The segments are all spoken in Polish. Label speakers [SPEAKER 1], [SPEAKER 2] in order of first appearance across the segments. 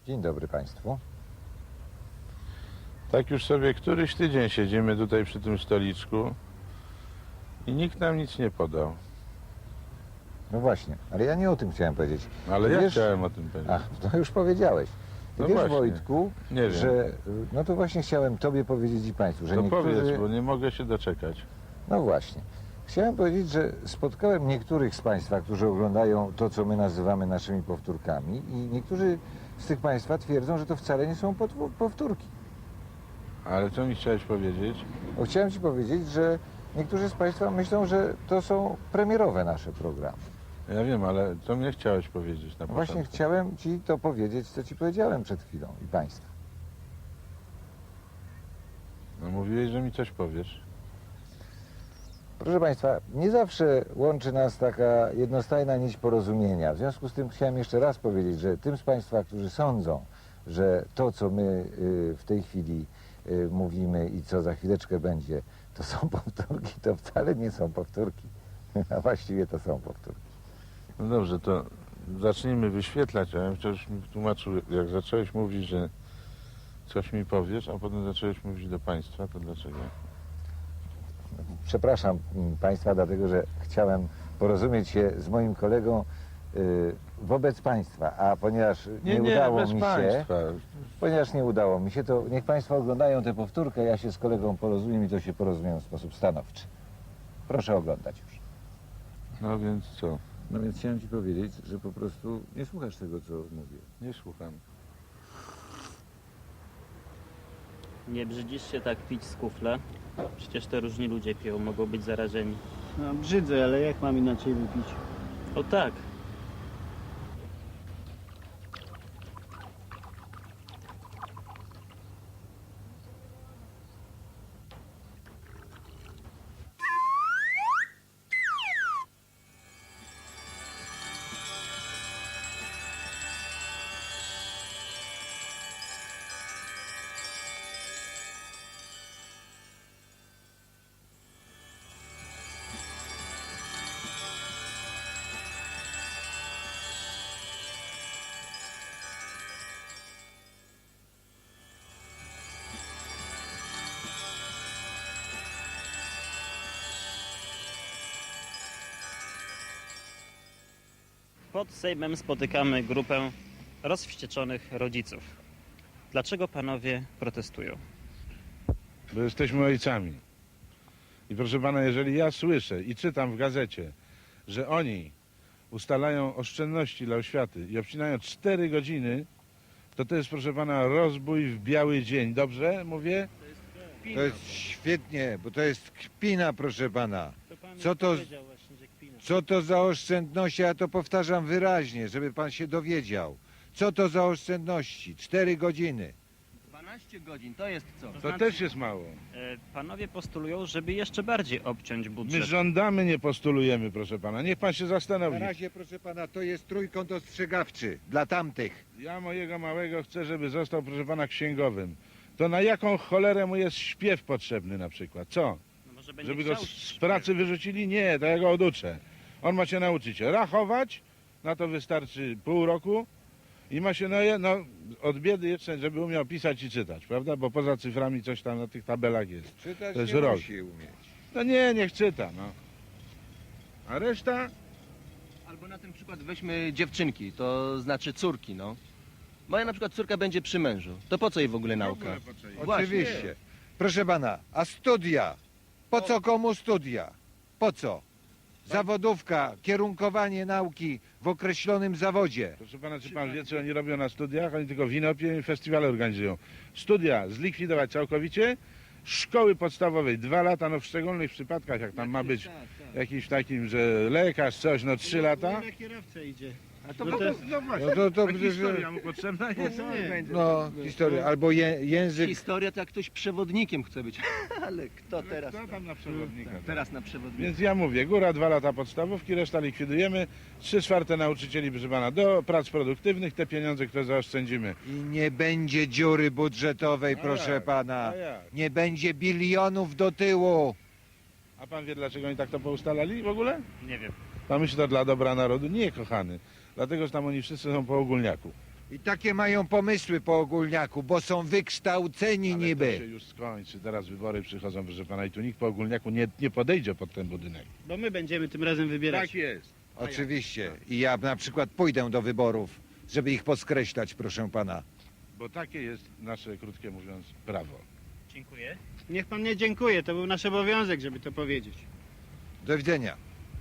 [SPEAKER 1] Dzień dobry Państwu.
[SPEAKER 2] Tak już sobie któryś tydzień siedzimy tutaj przy tym stoliczku i nikt nam nic nie podał.
[SPEAKER 1] No właśnie, ale ja nie o tym chciałem powiedzieć.
[SPEAKER 2] Ale
[SPEAKER 1] Ty
[SPEAKER 2] ja
[SPEAKER 1] wiesz-
[SPEAKER 2] chciałem o tym powiedzieć.
[SPEAKER 1] Ach, to już powiedziałeś. Ty
[SPEAKER 2] No
[SPEAKER 1] wiesz,
[SPEAKER 2] właśnie.
[SPEAKER 1] Wojtku,
[SPEAKER 2] Nie wiem.
[SPEAKER 1] że... No to właśnie chciałem Tobie powiedzieć i Państwu, że
[SPEAKER 2] To
[SPEAKER 1] niektórzy...
[SPEAKER 2] powiedz, bo nie mogę się doczekać.
[SPEAKER 1] No właśnie. Chciałem powiedzieć, że spotkałem niektórych z Państwa, którzy oglądają to, co my nazywamy naszymi powtórkami i niektórzy z tych Państwa twierdzą, że to wcale nie są powtórki.
[SPEAKER 2] Ale co mi chciałeś powiedzieć?
[SPEAKER 1] Bo chciałem Ci powiedzieć, że niektórzy z Państwa myślą, że to są premierowe nasze programy.
[SPEAKER 2] Ja wiem, ale co mnie chciałeś powiedzieć na
[SPEAKER 1] No właśnie
[SPEAKER 2] początku?
[SPEAKER 1] chciałem Ci to powiedzieć, co Ci powiedziałem przed chwilą i Państwu.
[SPEAKER 2] No mówiłeś, że mi coś powiesz.
[SPEAKER 1] Proszę Państwa, nie zawsze łączy nas taka jednostajna nić porozumienia. W związku z tym chciałem jeszcze raz powiedzieć, że tym z Państwa, którzy sądzą, że to, co my w tej chwili mówimy i co za chwileczkę będzie, to są powtórki, to wcale nie są powtórki. A właściwie to są powtórki.
[SPEAKER 2] No dobrze, to zacznijmy wyświetlać. A ja wciąż mi tłumaczył, jak zacząłeś mówić, że coś mi powiesz, a potem zacząłeś mówić do państwa, to dlaczego?
[SPEAKER 1] Przepraszam Państwa, dlatego że chciałem porozumieć się z moim kolegą wobec Państwa, a ponieważ nie udało
[SPEAKER 2] bez
[SPEAKER 1] mi się,
[SPEAKER 2] państwa.
[SPEAKER 1] ponieważ nie udało mi się, to niech Państwo oglądają tę powtórkę, ja się z kolegą porozumiem i to się porozumiem w sposób stanowczy. Proszę oglądać już.
[SPEAKER 2] No więc co?
[SPEAKER 1] No więc chciałem Ci powiedzieć, że po prostu nie słuchasz tego, co mówię.
[SPEAKER 2] Nie słucham.
[SPEAKER 3] Nie brzydzisz się tak pić z kufla? Przecież to różni ludzie piją, mogą być zarażeni.
[SPEAKER 4] No, brzydzę, ale jak mam inaczej wypić?
[SPEAKER 3] O tak, pod Sejmem spotykamy grupę rozwścieczonych rodziców. Dlaczego panowie protestują?
[SPEAKER 2] Bo jesteśmy ojcami. I proszę pana, jeżeli ja słyszę i czytam w gazecie, że oni ustalają oszczędności dla oświaty i obcinają 4 godziny, to jest, proszę pana, rozbój w biały dzień. Dobrze mówię?
[SPEAKER 5] To jest świetnie, bo to jest kpina, proszę pana.
[SPEAKER 3] pan
[SPEAKER 5] Co to-
[SPEAKER 3] powiedział właśnie, że kpina.
[SPEAKER 5] Co to za oszczędności? Ja to powtarzam wyraźnie, żeby pan się dowiedział. Co to za oszczędności? 4 godziny.
[SPEAKER 6] 12 godzin, to jest co?
[SPEAKER 2] To
[SPEAKER 3] znaczy-
[SPEAKER 2] też jest mało.
[SPEAKER 3] Panowie postulują, żeby jeszcze bardziej obciąć
[SPEAKER 2] My
[SPEAKER 3] budżet.
[SPEAKER 2] żądamy, nie postulujemy, proszę pana. Niech pan się
[SPEAKER 5] Na
[SPEAKER 2] zastanowi.
[SPEAKER 5] razie, proszę pana, to jest trójkąt ostrzegawczy dla tamtych.
[SPEAKER 2] Ja mojego małego chcę, żeby został, proszę pana, księgowym. To na jaką cholerę mu jest śpiew potrzebny na przykład? Co?
[SPEAKER 3] No może będzie
[SPEAKER 2] Żeby go
[SPEAKER 3] chciał
[SPEAKER 2] z pracy wyrzucili? Nie, to ja go oduczę. On ma się nauczyć rachować, na to wystarczy pół roku i ma się, od biedy jeszcze, żeby umiał pisać i czytać, prawda? Bo poza cyframi coś tam na tych tabelach jest.
[SPEAKER 5] Czytać
[SPEAKER 2] To jest
[SPEAKER 5] nie
[SPEAKER 2] rok.
[SPEAKER 5] musi umieć.
[SPEAKER 2] No nie, niech czyta, no. A reszta?
[SPEAKER 6] Albo na ten przykład weźmy dziewczynki, to znaczy córki, no. Moja na przykład córka będzie przy mężu. To po co jej w ogóle nauka? Właśnie.
[SPEAKER 5] Oczywiście. Proszę pana, a studia? Po co komu studia? Po co? Zawodówka, kierunkowanie nauki w określonym zawodzie.
[SPEAKER 2] Proszę pana, czy pan wie, co oni robią na studiach? Oni tylko wino piją i festiwale organizują. Studia zlikwidować całkowicie, szkoły podstawowej 2 lata, no w szczególnych przypadkach, jak tam ma być jakiś takim, że lekarz, coś, no 3 lata.
[SPEAKER 4] Na kierowcę idzie.
[SPEAKER 2] A to
[SPEAKER 4] No
[SPEAKER 2] no właśnie,
[SPEAKER 5] No to
[SPEAKER 2] a
[SPEAKER 5] przecież-
[SPEAKER 2] historia mu potrzebna jest.
[SPEAKER 5] No, historia. Albo język.
[SPEAKER 6] Historia to jak ktoś przewodnikiem chce być. Ale kto teraz?
[SPEAKER 2] Kto tam na przewodnika?
[SPEAKER 6] Teraz na przewodnika.
[SPEAKER 2] Więc ja mówię, góra 2 lata podstawówki, reszta likwidujemy, 3/4 nauczycieli, proszę pana, do prac produktywnych, te pieniądze, które zaoszczędzimy.
[SPEAKER 5] I nie będzie dziury budżetowej,
[SPEAKER 2] A
[SPEAKER 5] proszę
[SPEAKER 2] jak?
[SPEAKER 5] pana.
[SPEAKER 2] A jak?
[SPEAKER 5] Nie będzie bilionów do tyłu.
[SPEAKER 2] A pan wie, dlaczego oni tak to poustalali w ogóle?
[SPEAKER 3] Nie wiem.
[SPEAKER 2] Pan myśli, to dla dobra narodu? Nie, kochany. Dlatego, że tam oni wszyscy są po ogólniaku.
[SPEAKER 5] I takie mają pomysły po ogólniaku, bo są wykształceni
[SPEAKER 2] Ale to się
[SPEAKER 5] niby.
[SPEAKER 2] już skończy, teraz wybory przychodzą, proszę pana, i tu nikt po ogólniaku nie podejdzie pod ten budynek.
[SPEAKER 4] Bo my będziemy tym razem wybierać.
[SPEAKER 2] Tak jest.
[SPEAKER 5] Oczywiście. I ja na przykład pójdę do wyborów, żeby ich podkreślać, proszę pana.
[SPEAKER 2] Bo takie jest nasze, krótkie mówiąc, prawo.
[SPEAKER 3] Dziękuję.
[SPEAKER 4] Niech pan nie dziękuję, to był nasz obowiązek, żeby to powiedzieć.
[SPEAKER 5] Do widzenia.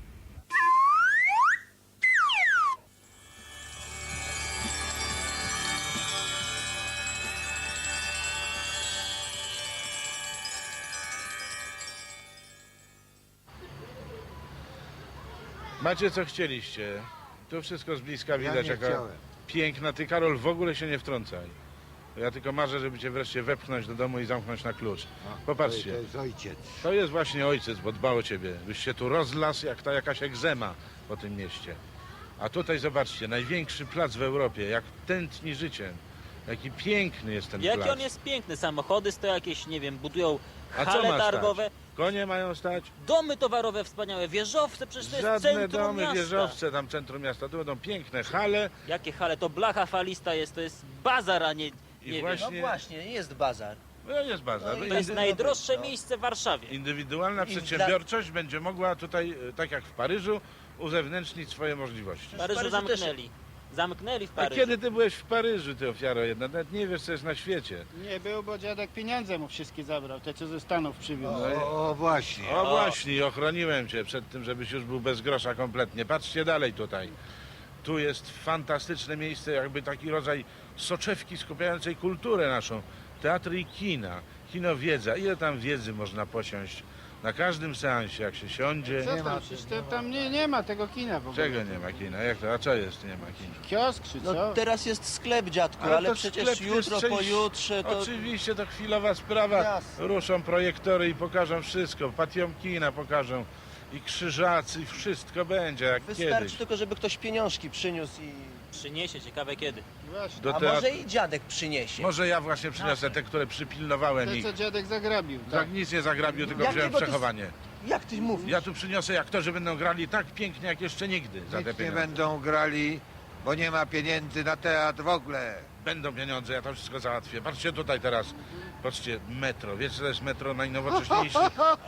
[SPEAKER 2] Macie co chcieliście. Tu wszystko z bliska widać, jaka piękna. Ty, Karol, w ogóle się nie wtrącaj. Ja tylko marzę, żeby cię wreszcie wepchnąć do domu i zamknąć na klucz. Popatrzcie.
[SPEAKER 5] To jest ojciec.
[SPEAKER 2] To jest właśnie ojciec, bo dba o ciebie. Byś się tu rozlasł jak ta jakaś egzema po tym mieście. A tutaj zobaczcie, największy plac w Europie, jak tętni życiem. Jaki piękny jest ten
[SPEAKER 7] Jaki
[SPEAKER 2] plac.
[SPEAKER 7] on jest piękny, samochody stoją jakieś, nie wiem, budują
[SPEAKER 2] A co
[SPEAKER 7] hale
[SPEAKER 2] ma
[SPEAKER 7] targowe,
[SPEAKER 2] Konie mają stać?
[SPEAKER 7] domy towarowe wspaniałe, wieżowce, przecież to jest
[SPEAKER 2] Żadne
[SPEAKER 7] centrum
[SPEAKER 2] domy,
[SPEAKER 7] miasta.
[SPEAKER 2] wieżowce tam centrum miasta. Tu będą piękne hale.
[SPEAKER 7] Jakie hale, to blacha falista jest, to jest bazar, a nie,
[SPEAKER 2] I
[SPEAKER 7] nie
[SPEAKER 2] właśnie-
[SPEAKER 6] No właśnie, jest bazar.
[SPEAKER 2] No jest bazar.
[SPEAKER 6] No i
[SPEAKER 7] wiem. To jest
[SPEAKER 6] Indy-
[SPEAKER 7] najdroższe
[SPEAKER 6] no.
[SPEAKER 7] miejsce w Warszawie.
[SPEAKER 2] Indywidualna
[SPEAKER 6] I
[SPEAKER 2] przedsiębiorczość będzie mogła tutaj, tak jak w Paryżu, uzewnętrznić swoje możliwości.
[SPEAKER 7] W Paryżu
[SPEAKER 6] Paryżu też-
[SPEAKER 7] zamknęli. Zamknęli w
[SPEAKER 2] A
[SPEAKER 7] Paryżu.
[SPEAKER 2] kiedy ty byłeś w Paryżu, ty ofiaro jedna? Nawet nie wiesz, co jest na świecie.
[SPEAKER 4] Nie był, bo dziadek pieniądze mu wszystkie zabrał, te co ze Stanów przywiózł.
[SPEAKER 5] O, właśnie.
[SPEAKER 2] O właśnie, ochroniłem cię przed tym, żebyś już był bez grosza kompletnie. Patrzcie dalej tutaj. Tu jest fantastyczne miejsce, jakby taki rodzaj soczewki skupiającej kulturę naszą. Teatry i kina, kino wiedza. Ile tam wiedzy można posiąść na każdym seansie, jak się siądzie.
[SPEAKER 4] Co tam? Przecież tam nie ma tego kina w ogóle.
[SPEAKER 2] Czego nie ma kina? Jak to? A co jest nie ma kina?
[SPEAKER 4] Kiosk czy co?
[SPEAKER 6] No teraz jest sklep, dziadku, ale
[SPEAKER 2] to
[SPEAKER 6] przecież
[SPEAKER 2] sklep to jest
[SPEAKER 6] jutro,
[SPEAKER 2] część-
[SPEAKER 6] pojutrze to...
[SPEAKER 2] Oczywiście to chwilowa sprawa.
[SPEAKER 6] Jasne.
[SPEAKER 2] Ruszą projektory i pokażą wszystko. Patiom kina pokażą. I krzyżacy, i wszystko będzie jak
[SPEAKER 6] Wystarczy
[SPEAKER 2] kiedyś.
[SPEAKER 6] tylko, żeby ktoś pieniążki przyniósł i...
[SPEAKER 7] Przyniesie, ciekawe kiedy.
[SPEAKER 4] Właśnie.
[SPEAKER 2] Do
[SPEAKER 6] A
[SPEAKER 2] teatru-
[SPEAKER 6] może i dziadek przyniesie.
[SPEAKER 2] Może ja właśnie przyniosę te, które przypilnowałem
[SPEAKER 4] Te
[SPEAKER 2] ich.
[SPEAKER 4] co dziadek zagrabił.
[SPEAKER 2] Tak, nic nie zagrabił, tylko
[SPEAKER 6] Jakiego
[SPEAKER 2] wziąłem
[SPEAKER 6] ty-
[SPEAKER 2] przechowanie.
[SPEAKER 6] Jak ty mówisz?
[SPEAKER 2] Ja tu przyniosę, jak to, że będą grali tak pięknie, jak jeszcze nigdy za te
[SPEAKER 5] Nic nie
[SPEAKER 2] pieniądze.
[SPEAKER 5] będą grali, bo nie ma pieniędzy na teatr w ogóle.
[SPEAKER 2] Będą pieniądze, ja to wszystko załatwię. Patrzcie tutaj teraz. Patrzcie, metro. Wiecie, co to jest metro najnowocześniejszy?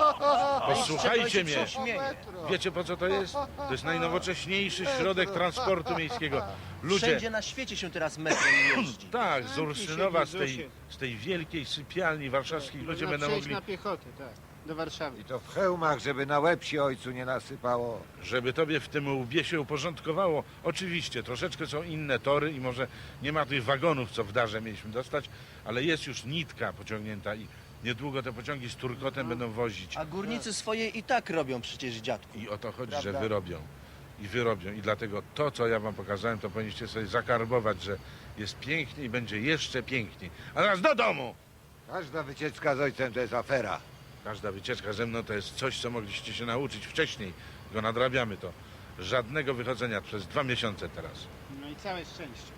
[SPEAKER 2] Posłuchajcie mnie. Wiecie, po co to jest? To jest najnowocześniejszy środek transportu miejskiego. Ludzie,
[SPEAKER 6] Wszędzie na świecie się teraz metrem jeździ.
[SPEAKER 2] tak, z Urszynowa,
[SPEAKER 4] się,
[SPEAKER 2] z tej wielkiej sypialni warszawskich ludzie
[SPEAKER 4] Można
[SPEAKER 2] będą
[SPEAKER 4] przejść
[SPEAKER 2] mogli,
[SPEAKER 4] na piechotę, tak. Do Warszawy.
[SPEAKER 5] I to w hełmach, żeby na łeb się ojcu nie nasypało.
[SPEAKER 2] żeby tobie w tym łbie się uporządkowało. Oczywiście, troszeczkę są inne tory i może nie ma tych wagonów, co w Darze mieliśmy dostać, ale jest już nitka pociągnięta i niedługo te pociągi z turkotem będą wozić.
[SPEAKER 6] A górnicy swoje i tak robią przecież, dziadku.
[SPEAKER 2] I o to chodzi,
[SPEAKER 6] Prawda?
[SPEAKER 2] że wyrobią. I wyrobią. I dlatego to, co ja wam pokazałem, to powinniście sobie zakarbować, że jest pięknie i będzie jeszcze piękniej. A teraz do domu!
[SPEAKER 5] Każda wycieczka z ojcem to jest afera.
[SPEAKER 2] Każda wycieczka ze mną to jest coś, co mogliście się nauczyć wcześniej. Tylko nadrabiamy to. Żadnego wychodzenia przez 2 miesiące teraz.
[SPEAKER 4] No i całe szczęście.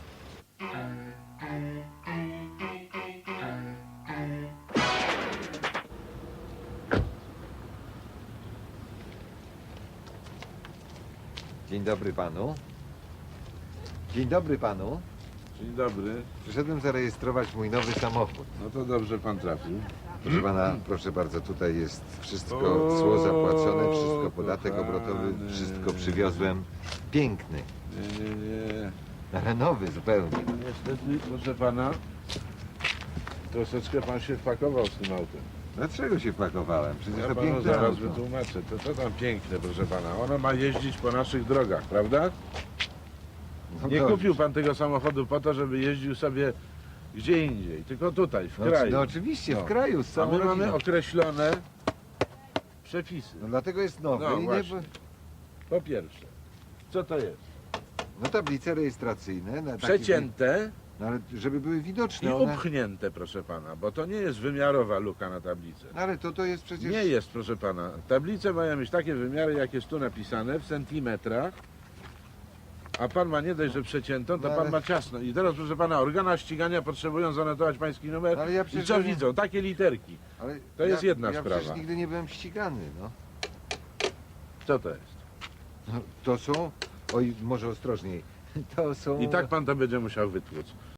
[SPEAKER 5] Dzień dobry panu. Dzień dobry panu.
[SPEAKER 2] Dzień dobry.
[SPEAKER 5] Przyszedłem zarejestrować mój nowy samochód.
[SPEAKER 2] No to dobrze pan trafił.
[SPEAKER 5] Proszę pana, proszę bardzo, tutaj jest wszystko,
[SPEAKER 2] O,
[SPEAKER 5] cło zapłacone, wszystko, podatek
[SPEAKER 2] kochany.
[SPEAKER 5] obrotowy, wszystko przywiozłem. Piękny,
[SPEAKER 2] Nie.
[SPEAKER 5] ale nowy zupełnie.
[SPEAKER 2] Niestety, proszę pana, troszeczkę pan się wpakował z tym autem.
[SPEAKER 5] Dlaczego się wpakowałem? Przecież
[SPEAKER 2] Ja
[SPEAKER 5] to
[SPEAKER 2] panu
[SPEAKER 5] piękne
[SPEAKER 2] zaraz
[SPEAKER 5] auto.
[SPEAKER 2] wytłumaczę. To tam piękne, proszę pana. Ono ma jeździć po naszych drogach, prawda?
[SPEAKER 5] No
[SPEAKER 2] Nie
[SPEAKER 5] dobrze.
[SPEAKER 2] kupił pan tego samochodu po to, żeby jeździł sobie gdzie indziej, tylko tutaj, w
[SPEAKER 5] No,
[SPEAKER 2] kraju.
[SPEAKER 5] no oczywiście,
[SPEAKER 2] No.
[SPEAKER 5] w kraju, z
[SPEAKER 2] A
[SPEAKER 5] całą
[SPEAKER 2] my mamy
[SPEAKER 5] rodziną.
[SPEAKER 2] określone przepisy.
[SPEAKER 5] No dlatego jest nowy
[SPEAKER 2] No
[SPEAKER 5] i nie...
[SPEAKER 2] właśnie. Po pierwsze, co to jest?
[SPEAKER 5] No tablice rejestracyjne. Na takich-
[SPEAKER 2] Przecięte
[SPEAKER 5] No ale żeby były
[SPEAKER 2] i
[SPEAKER 5] widoczne one...
[SPEAKER 2] upchnięte, proszę pana, bo to nie jest wymiarowa luka na tablicy.
[SPEAKER 5] No ale to jest przecież...
[SPEAKER 2] Nie jest, proszę pana. Tablice mają mieć takie wymiary, jak jest tu napisane, w centymetrach. A pan ma nie dość, że przeciętą, to
[SPEAKER 5] No
[SPEAKER 2] pan
[SPEAKER 5] ale-
[SPEAKER 2] ma ciasno. I teraz, proszę pana, organa ścigania potrzebują zanotować pański numer.
[SPEAKER 5] No ale ja
[SPEAKER 2] I
[SPEAKER 5] przecież
[SPEAKER 2] co
[SPEAKER 5] nie-
[SPEAKER 2] widzą? Takie literki.
[SPEAKER 5] Ale
[SPEAKER 2] To jest jedna
[SPEAKER 5] ja
[SPEAKER 2] sprawa.
[SPEAKER 5] przecież nigdy nie byłem ścigany, no.
[SPEAKER 2] Co to jest?
[SPEAKER 5] No, to są, oj, może ostrożniej,
[SPEAKER 1] to są...
[SPEAKER 2] I tak pan to będzie musiał wytłuc.